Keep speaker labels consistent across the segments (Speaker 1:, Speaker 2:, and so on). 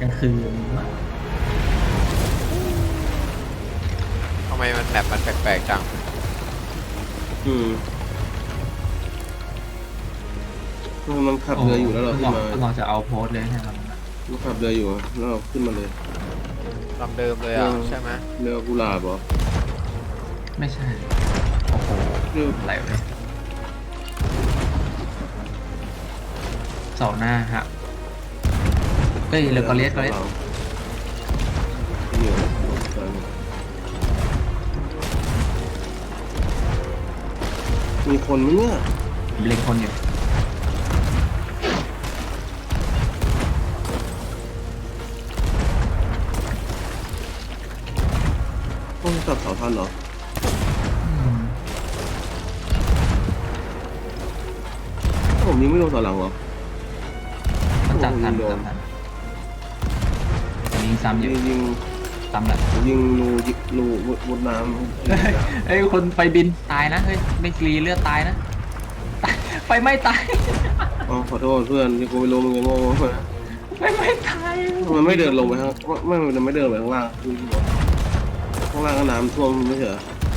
Speaker 1: ลางคืน
Speaker 2: ทำไมมันแมปมันแปลกๆจัง
Speaker 3: มันขับเรืออยู่แล้วเราขึ้นมา
Speaker 1: เราจะเอาโพสเลยใช่ไหม
Speaker 3: มันขับเรืออยู่แล้วเราขึ้นมาเลย
Speaker 2: ลำเดิมเลยอ่ะใช่ไหม
Speaker 3: เรือกุหลาบเหรอ
Speaker 1: ไม่ใช่โอ้โหอะไรเลยเสาหน้าฮะเฮ้ยเรือกอเลียส
Speaker 3: มีคนไหมเนี่ย
Speaker 1: เล็งคนอยู่
Speaker 3: ต้องจับเสาทันเหรอผมยิงไม่โดนต่อหลังเหรอ
Speaker 1: มันจับทันยิงซ้ำยิงซ้ำแหละ
Speaker 3: ยิงรูบนน้
Speaker 1: ำเฮ้ยคนไฟบินตายนะเฮ้ยไม่กรีเลือดตายนะไฟไม่ตาย
Speaker 3: อ๋อขอโทษเพื่อนที่กูไม่รู้มึงยังโง่
Speaker 1: ไฟไม่ตาย
Speaker 3: มันไม่เดินลงไปข้างมันไม่เดินไปข้างล่างข้างล่างก็น้ำท่วมไม่ใช่เหรอ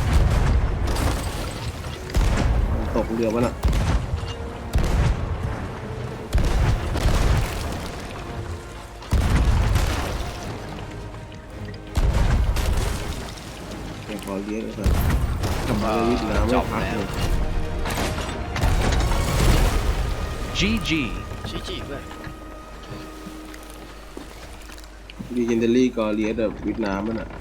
Speaker 3: ตกเรือวะน่ะขอเลี้ยงเลยกับมาวิทย์น้ำไม่พักเลย
Speaker 2: GG เพื่อน
Speaker 3: ดีเจนเดอรี่ก็เลี้ยงแบบวิทย์น้ำมันอ่ะ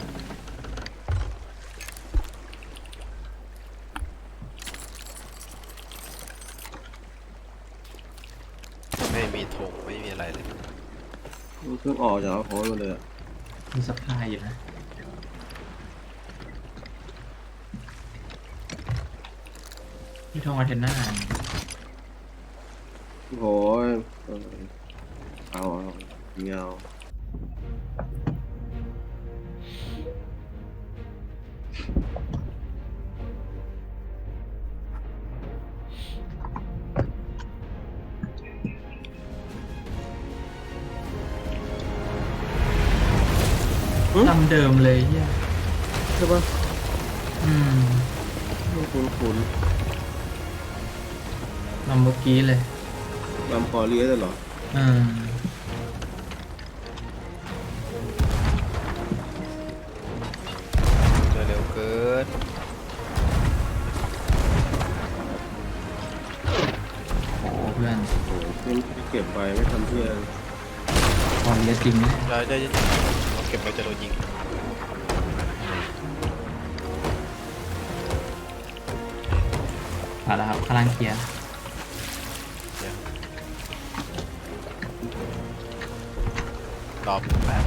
Speaker 2: ไม่มีธงไม่มีอะไรเลย
Speaker 3: เพิ่งออกจากโพสมาเลย
Speaker 1: มีสะพายอยู่นะที่ทองอาเทน่า
Speaker 3: โอ้ยเอาเงา
Speaker 1: ลำเดิมเลย
Speaker 3: ใช่ปะคุ้น
Speaker 1: ลำเมื่อกี้เลย
Speaker 3: ลำคอเลี้ยเหรอ
Speaker 2: เร็วเกิน
Speaker 1: โอ้เพื่อน
Speaker 3: เพื่อนเก็บไปไม่ทำเพื่อน
Speaker 1: คอเลี้ยจริงนะ
Speaker 2: ได้เราเก็บไปจะโดนยิง
Speaker 1: ผ่านแล้วครับข้างล่างเคลียร์
Speaker 2: ตอบแบบ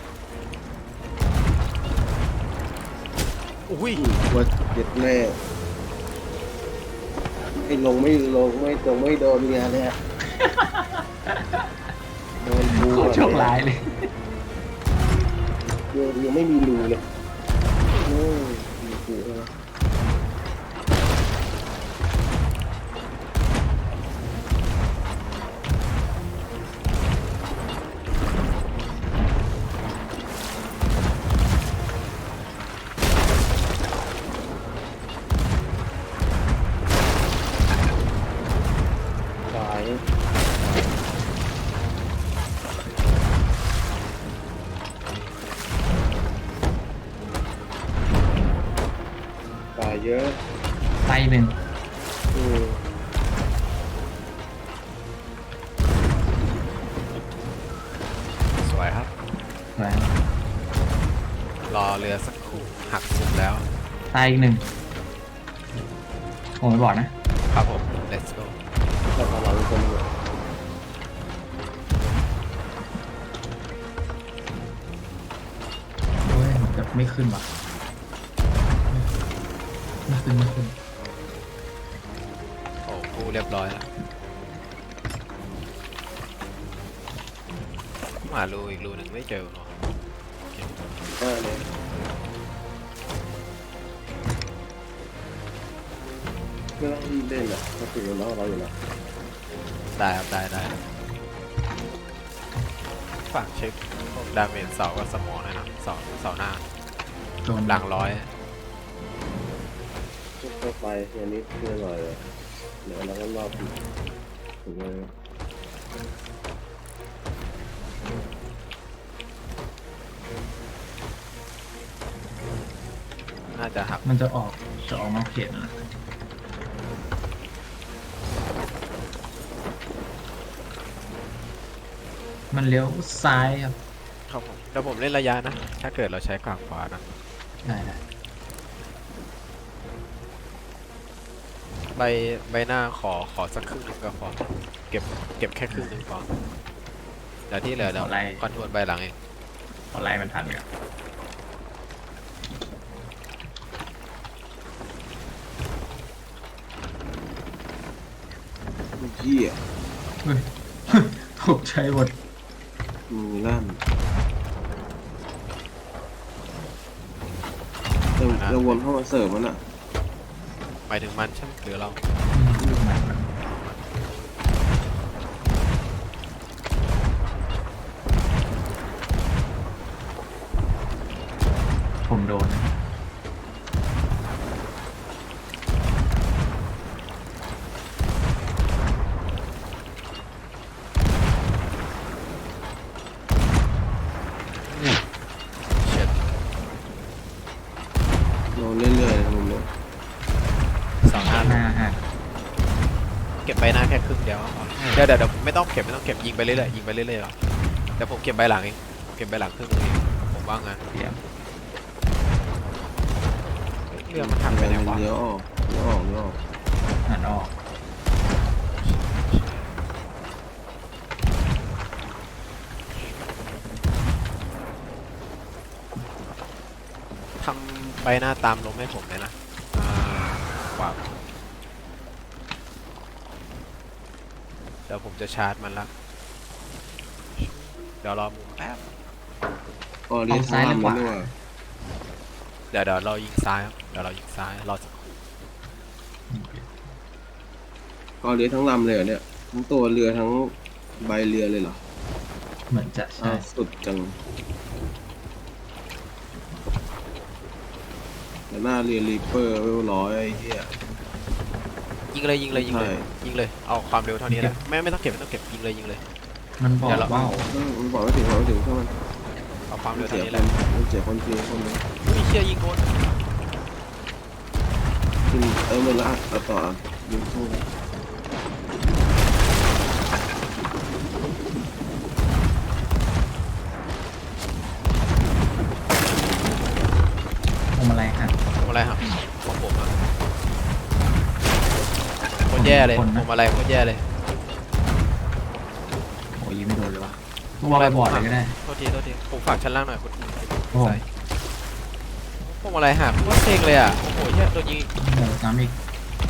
Speaker 2: อุ้ย
Speaker 3: ว่าเจ็ดแม่ไอ้ลงไม่โดนเงี้ยเนี่ยโดนบู
Speaker 1: โชคร้ายเลย
Speaker 3: ยังไม่มีรูเลยโอ้ยมีรูแล้วเยอะ
Speaker 1: ไปหนึ่ง
Speaker 2: สวยครับ
Speaker 1: สวย
Speaker 2: รอเรือสักครู่หักสุดแล้ว
Speaker 1: ตายอีกหนึ่งผมไม่บอกนะครับ
Speaker 2: ผม let's go
Speaker 3: เราทำเราเป็นคน
Speaker 1: โอ้ยจะไม่ขึ้นว่ะไม่ขึ้น
Speaker 2: โอ้กูเรียบร้อยแล้วมารูอีกรูหนึ่งไม่เจอหรอ
Speaker 3: ได้เลยไม่ต้องรีบเล่นอ่ะเราถึงเราอยู่แล้ว
Speaker 2: ได้ครับได้ฝากเช็คพวกดาเมจเสากับสมองหน่อยนะเสาหน้า
Speaker 1: โดน
Speaker 2: หลังร้อย
Speaker 3: ค่อยๆไปอย่างนี้เพื่อหน่อยเลยเดี๋ยวเราก็รอบถึงเลย
Speaker 2: น่าจะหัก
Speaker 1: มันจะออกนอกเขตนะมันเลี้ยวซ้ายครับ
Speaker 2: ครับผมแต่ผมเล่นระยะนะ ถ้าเกิดเราใช้กลางขวานะ
Speaker 1: ได้
Speaker 2: ใบหน้าขอสักครึ่งหนึงก็พอเก็บแค่ครึ่งหนึงพอเดี๋ยวที่เหลือเดี๋ยวคอนโทรลใบหลังเอง
Speaker 1: ขอไล่มันทันครับ
Speaker 3: เหี้ย
Speaker 1: เฮ้ย ตกใจหมด
Speaker 3: มือลั่นเราวนเข้ามาเสิร์ฟมันอ่ะ
Speaker 2: หมายถึงมันใช่ไหมหรือเรา
Speaker 1: ผมโดน
Speaker 2: เช็ด
Speaker 3: เราเรื่อยๆนะผมเนี่ย
Speaker 2: สองหน้า
Speaker 1: หน้าหัก
Speaker 2: เก็บใบหน้าแค่ครึ่งเดียวก็พอเดี๋ยวไม่ต้องเก็บยิงไปเรื่อยๆยิงไปเรื่อยๆหรอเดี๋ยวผมเก็บใบหลังเองเก็บใบหลังครึ่งนึงเองผมว่างั้น
Speaker 1: เสียบ
Speaker 2: เรื่องมันทำไปไหนวะ
Speaker 3: เลี้ยวออกเลี้ยวออกเลี้ยวออก
Speaker 1: หันออก
Speaker 2: ทำใบหน้าตามลมให้ผมเลยนะขวาเดี๋ยวผมจะชาร์จมันละเดี๋ยวรอมุมแป๊บ
Speaker 3: อ๋อเลี้ยวซ้ายหรือขวาด้วย
Speaker 2: เดี๋ยวเรายิงซ้ายครับเดี๋ยวเรายิงซ้ายรอสักครู่
Speaker 3: ก็เลี้ยวทั้งลำเลยเหรอเนี่ยทั้งตัวเรือทั้งใบเรือเลยเหรอ
Speaker 1: เหมือนจะใช่
Speaker 3: สุดจังแต่หน้าเรือรีเปอร์ไม่ร้อยไอ้เหี้ย
Speaker 2: ยิงเลยยิงเลยยิงเลย
Speaker 3: ใช่
Speaker 2: ยิงเลยเอาความเร็วเท่านี้แหละไม่ต้องเก็บยิงเลยยิงเลย
Speaker 1: มันบอก
Speaker 2: เดี๋ยวเรา
Speaker 1: ว่าว
Speaker 3: มันบอกไม่ถึงบอกไม่ถึงเท่ามัน
Speaker 2: เอาความ
Speaker 3: มั
Speaker 2: เร็
Speaker 3: น
Speaker 2: ว
Speaker 3: เสี
Speaker 2: เท่าย นี้
Speaker 3: ค
Speaker 2: แหละ
Speaker 3: นมันเสียคนทีคนนึง
Speaker 2: อุ้ยเชี่ยยิงโดน
Speaker 3: กินหมดละเอาต่อยิงสู้
Speaker 1: พวงมาลัยหัก
Speaker 2: ผมอะไรครับของผมอะโคตรแย่เลย
Speaker 1: คนนะ
Speaker 2: ผมอะไรโคตรแย่เลย
Speaker 1: โอ้ยยิงไม่โดนเลยวะพวงมาลัยบอดเลยก็ได้
Speaker 2: โทษทีผมฝากชั้นล่างหน่อยคุณ
Speaker 1: โอ้โห
Speaker 2: ใส่ผมอะไรหักโคตรเซ็งเลยอ่ะโอ้โหเหี้ยโดนยิง
Speaker 1: หมดซ้ำอีก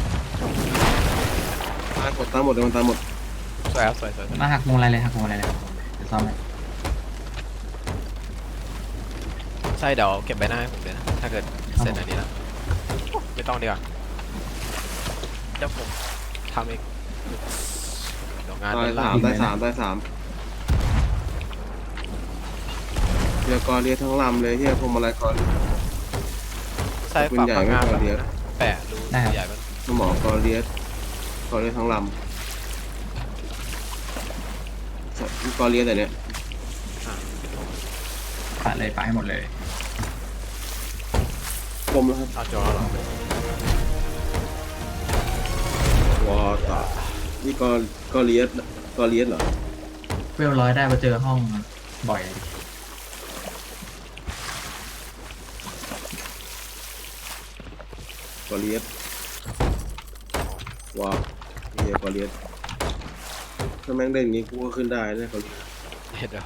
Speaker 3: ตายหมดตายหมดเลยมันตายหมด
Speaker 2: สวยครับสวย
Speaker 1: มาหักพวงมาลัยเลยหักพวงมาลัยเลยเดี๋ยวซ่อมให้
Speaker 2: ใช่เดี๋ยวเก็บใบหน้าให้ผมเลยนะถ้าเกิดเสร็จอันนี้แล้วไม่ต้องดีกว่าเดี๋ยวผมทำเองเดี๋ยวงาน
Speaker 3: ตาย
Speaker 2: เป็นล่า
Speaker 3: สามตายสามตายสามเรือกอเรียทั้งลำเลยเฮียพวงมาลัยกอเรีย
Speaker 2: ใช่ฝากงานแบบนะแปะรูใหญ่มัน
Speaker 3: สมองกอเรียทั้งลำกอเรียแต่เนี้ย
Speaker 1: ปะเลยปะให้หมดเลย
Speaker 3: คมแล้วครับ
Speaker 2: เอาจอแล้วหรอ
Speaker 3: วอตานี่กอเรียเหรอ
Speaker 1: เวล100ได้มาเจอห้องบ่อยเลย
Speaker 3: กอเรียว้าวเฮียกอเรียถ้าแม่งได้อย่างงี้กูก็ขึ้นได้นะกอเรีย
Speaker 2: เห็นเด้อ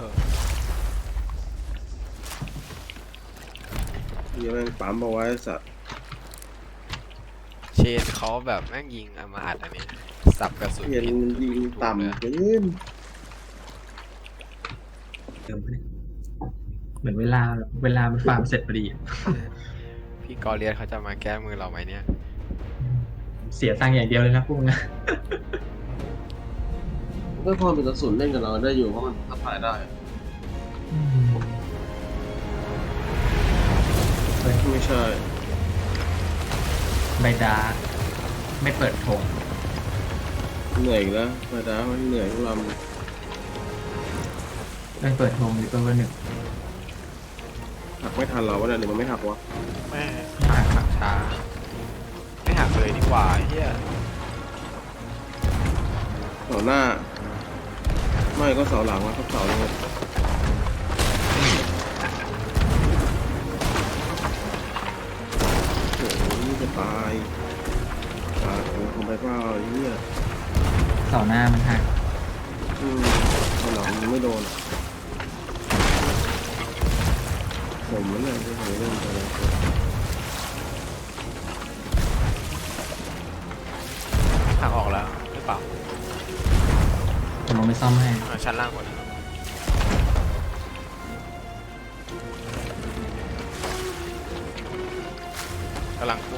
Speaker 3: เฮียแม่งปั๊มเอาไว้สัตว์
Speaker 2: เชนเขาแบบแม่งยิงเอามาอัดอันนี้สับกระสุน
Speaker 3: เฮียมันยิงต่ำเกิน
Speaker 1: เติมไปเลยเหมือนเวลามันฟาร์มเสร็จพอดีอะ
Speaker 2: พี่กอเลียสเขาจะมาแก้มือเราไหมเนี่ย
Speaker 1: เสียตังค์อย่างเดียวเลยนะพวกนั้น
Speaker 3: ก็พอเป็นกระสุนเล่นกับเราได้อยู่เพราะมันทับทายได้
Speaker 1: อืมเฮ้ย
Speaker 3: ไม่ใช่
Speaker 1: ใบดาไม่เปิดธง
Speaker 3: เหนื่อยอีกแล้วมาดามันเหนื่อยทุกล
Speaker 1: ไม่เปิดธงหรือเปิดวันหนึ่ง
Speaker 3: ำหักไม่ทันเราวะเนี่ยหรือมันไม่หักวะ
Speaker 2: แม่หักช้าไม่หักเลยดีกว่าไอ้เฮีย
Speaker 3: เสาหน้า ไม่ก็เสาหลังวะก็เสาเลยโอ้โหนี่จะตายตายโอ้ทำไปเปล่าไอ้เหี้ย
Speaker 1: เสาหน้ามันหัก
Speaker 3: เสาหลังมันไม่โดนผมมันเลยที่ผมเล่นไปแล้ว
Speaker 2: หักออกแล้วหรือเปล่า
Speaker 1: ผมลงไปซ่อมให้
Speaker 2: ชั้นล่างหมดกำลังกู้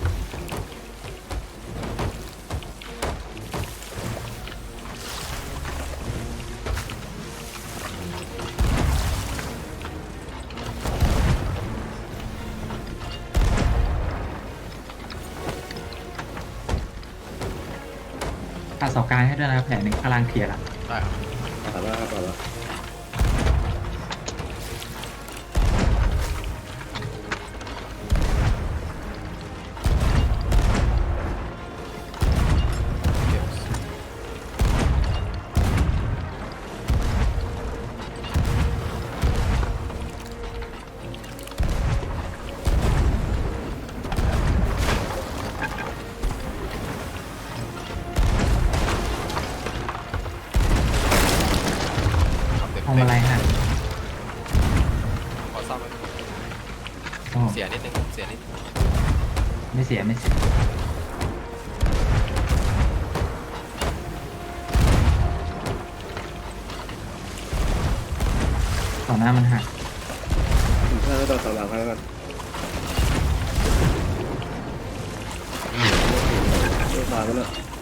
Speaker 1: ตัดเสากลางให้ด้วยนะแผลหนึ่งข้างล่างเคลียร์ละ
Speaker 2: ได้ครับ
Speaker 3: ตัดแล้วครับตัดแล้ว
Speaker 2: เก็บ
Speaker 1: ทำอะไรหัก
Speaker 2: ขอซ่อมไว้
Speaker 1: โอ้
Speaker 2: เสียนิดนึงเสียนิดนึง
Speaker 1: ไม่เสียไม่เสียเสาหน้ามันหัก
Speaker 3: ผมถ้าไม่ตัดเสาหลังให้แล้วกันไม่ตายไปแล้ว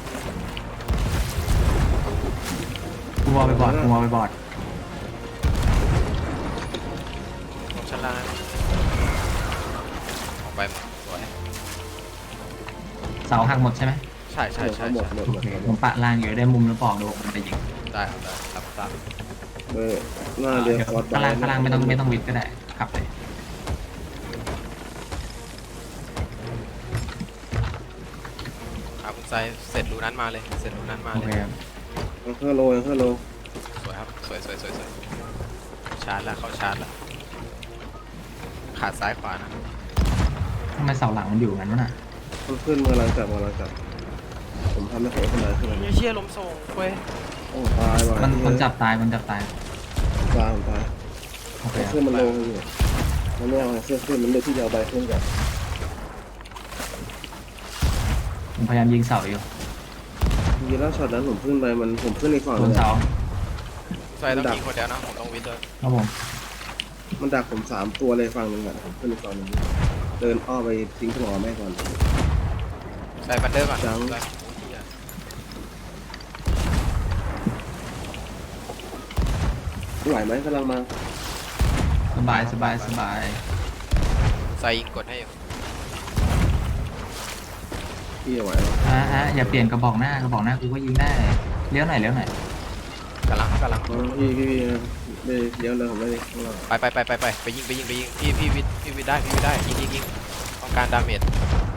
Speaker 1: กูวอลไปบอดกูวอลไปบอด
Speaker 2: ลงชั้นล่างออกไปสวย
Speaker 1: เสาหักหมดใช่ไหม
Speaker 2: ใช่ใช่ใช่
Speaker 3: หมด
Speaker 2: ใช่
Speaker 3: หมด
Speaker 1: โอ
Speaker 3: หมด
Speaker 1: เค
Speaker 3: ห
Speaker 1: ผม มปะล่างอยู่ได้มุมแล้วบอกดูมันไปยิง
Speaker 2: ได้ครับได้รับทราบ
Speaker 3: เบอร์หน้าเดียว
Speaker 1: เดี๋ยว
Speaker 3: คอร์ด
Speaker 1: ข้างล่างข้างล่างไม่ต้องวิดก็ได้ขับเลย
Speaker 2: ครับคุณไซเสร็จรูนั้นมาเลยเสร็จรูนั้นมา
Speaker 1: โอ
Speaker 2: เล
Speaker 1: เค
Speaker 2: ย
Speaker 1: ครับ
Speaker 3: เครื่องโลเครื่องโล
Speaker 2: สวยครับสวยสวยสวยสวยชาร์จแล้วเข้าชาร์จแล้วขาดซ้ายขวานะ
Speaker 1: ทำไมเสาหลังมันอยู่งั้นวะน่ะ
Speaker 3: มันขึ้นกำลังจับกำลังจับผมทำไม่เคยขึ้นเลยขึ้นเลย
Speaker 2: เชี่ยลมส่งเว้ย
Speaker 3: โอ้ตายว่ะ
Speaker 1: มันจับตายมันจับตาย
Speaker 3: ตายผมตาย
Speaker 1: โอเคครับ
Speaker 3: ขึ้นมันลงอยู่มันไม่เอาเสื้อขึ้นมันเลยที่จะเอาใบขึ้นก่อน
Speaker 1: ผมพยายามยิงเสาอยู่
Speaker 3: จริงๆแล้วช็อตนั้นผมขึ้นไปมันผมขึ้นในฝั่ง
Speaker 1: โด
Speaker 3: นึ
Speaker 1: น
Speaker 3: ง
Speaker 1: เสา
Speaker 2: ไซต้องยิงคนเดียวนะผมต้องวิทย์ด้วย
Speaker 1: ครับผม
Speaker 3: มันดักผม3 ตัวเลยฝั่งนึงอ่ะผมขึ้นในฝั่งนึงเดินอ้อไปทิ้งหัวแม่ก่อน
Speaker 2: ไซบันเดอร์ก่อน
Speaker 3: จัง
Speaker 2: ไซ
Speaker 3: ไหวไหมกำลังมา
Speaker 1: สบายสบายสบาย
Speaker 2: ไซยิงกดให้อยู่
Speaker 3: พี่ไหวหรอ
Speaker 1: อย่าเปลี่ยนกระบอกหน้ากระบอกหน้ากูก็ยิงได้เลี้ยวไหนเลี้ยวไหน
Speaker 2: กำลัง
Speaker 3: พี่ไม่เลี้ยวเลยผมไม่ได้ข้างหลัง
Speaker 2: ไปยิงพี่วิทย์ได้ยิงต้องการดาเมจ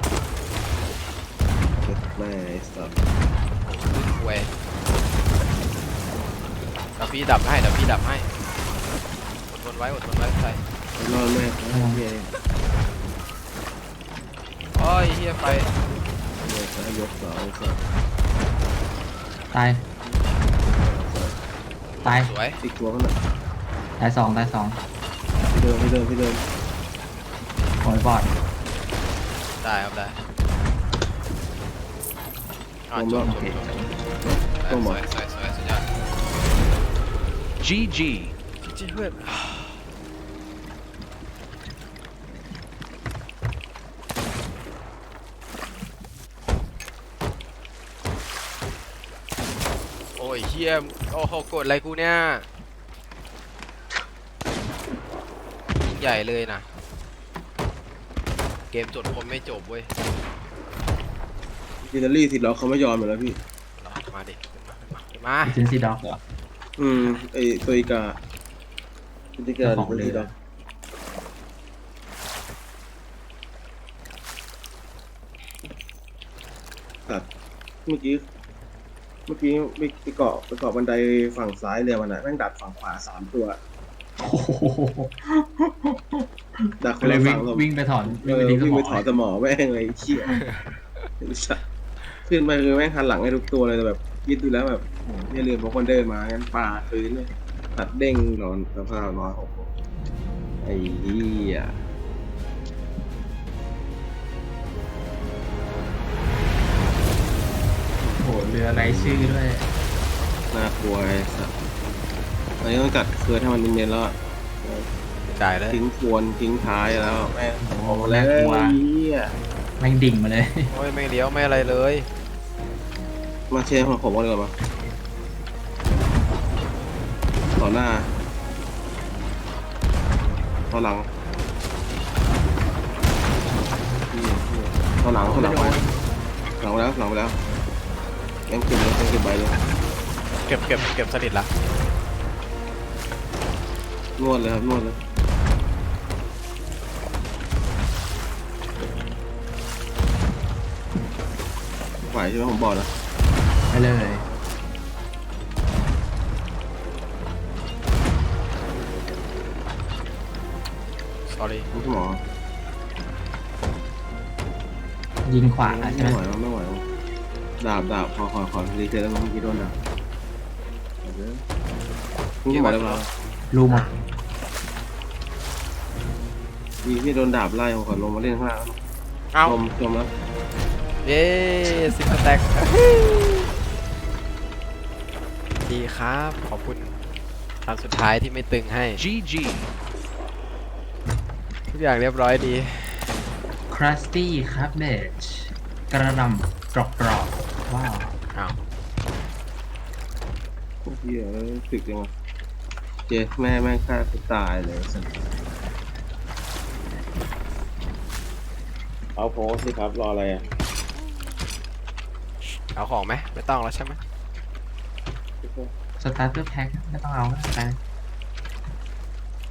Speaker 3: แม่สับ
Speaker 2: ขึ้นเว้ยเดี๋ยวพี่ดับให้อดทนไว้ไซ
Speaker 3: นอนแม่พี่เอง
Speaker 2: โอ้ยเฮียไป
Speaker 3: เนี่ยจะยกเสาสับ
Speaker 1: ตายตาย
Speaker 2: สวย
Speaker 3: อีกตัวข้างหน้า
Speaker 1: ตายสองตายสอง
Speaker 3: พี่เดิน
Speaker 1: โอ้ยบอด
Speaker 2: ได้ครับได้จบสวยสุดยอด
Speaker 4: GG
Speaker 2: จริงเพื่อนโอ้ยเฮียโอ้โหกดอะไรกูเนี่ยใหญ่เลยนะเกมจดคนไม่จบเว้ย
Speaker 3: อิตาลีสิเราเขาไม่ยอมอยู่แล้วพี่
Speaker 2: มาดิขึ้นมา
Speaker 1: เจนซี่ด็อกเหรอ
Speaker 3: ไอตัวอีกาตัวอีกา
Speaker 1: เจ้าของเรือ
Speaker 3: ตัวอีกาตัดเมื่อกี้ไปเกาะบันไดฝั่งซ้ายเรือมันอะแม่งดักฝั่งขวา3 ตัว
Speaker 1: โอ้โห
Speaker 3: ดักค
Speaker 1: ก็
Speaker 3: น
Speaker 1: เล
Speaker 3: ละ
Speaker 1: ยวิ่
Speaker 3: ฝั่
Speaker 1: ง
Speaker 3: ง
Speaker 1: วิ่งไปถอน
Speaker 3: เอ
Speaker 1: วิ่งไป
Speaker 3: อ
Speaker 1: ทิ้งส
Speaker 3: วิ่ง
Speaker 1: ม
Speaker 3: ไป
Speaker 1: อง
Speaker 3: ถอนสมอแม่งเลยไอ้เชี่ยขึ้นไปคือแม่งหันหลังให้ทุกตัวเลยแต่แบบคิดดูแล้วแบบโอ้โหอย่าลืมบางคนเดินมางั้นปลาคืนเลยตัดเด้งนอนสภาพนอนโอ้โหไอ้เหี้ย
Speaker 1: โอ้โหเรือไรชื่อด้วย
Speaker 3: น่ากลัวไอ้สัสตอนนี้ต้องจัดเคือให้มันเนียนๆแล้วอะ
Speaker 2: จ่ายเลย
Speaker 3: ทิ้งทวนทิ้งท้ายแล้วแม่ง
Speaker 1: โอ้โห
Speaker 3: โอ้แล้ว
Speaker 1: น่ากลัว
Speaker 3: เหี้ย
Speaker 1: แม่งดิ่งมาเลย
Speaker 2: โอ้ยไม่เลี้ยวไม่อะไรเลย
Speaker 3: มาเชฟของผมก่อนดีกว่ามาต่อหน้าต่อหลังต่อหลังต่อหลังไปหลังไปแล้วยังเก็บใบเลย
Speaker 2: เก็บสนิทละ
Speaker 3: นวดเลยครับนวดเลยไหวใช่ไหมผมบอกนะ
Speaker 1: ไปเลย
Speaker 2: sorry
Speaker 3: คุณหมอ
Speaker 1: ยิงขวาใช่ไหม
Speaker 3: ไม่ไหวดาบขอรีเซ็ตแล้วมั้งเมื่อกี้โดนดาบคุณหมอได้ไหม
Speaker 1: รูหมด
Speaker 3: พี่โดนดาบไล่ผมขอลงมาเล่นข้างล่าง
Speaker 2: เอ้า
Speaker 3: จมแล้ว
Speaker 2: เย้สิบสแต็กดีครับขอบคุณครั้งสุดท้ายที่ไม่ตึงให้ GG ทุกอย่างเรียบร้อยดี
Speaker 1: ครัสตี้ครับเบจกระหลำกรอบว้าว
Speaker 2: อ้าว
Speaker 3: เฮียสึกยังไงเจ๊แม่ฆ่ากูตายเลยสัสเอาโพสสิครับรออะไรอ่ะ
Speaker 2: เอาของไหมไม่ต้องแล้วใช่ไหม
Speaker 1: สตาร์เตอร์แพ็คไม่ต้องเอาแล้วไป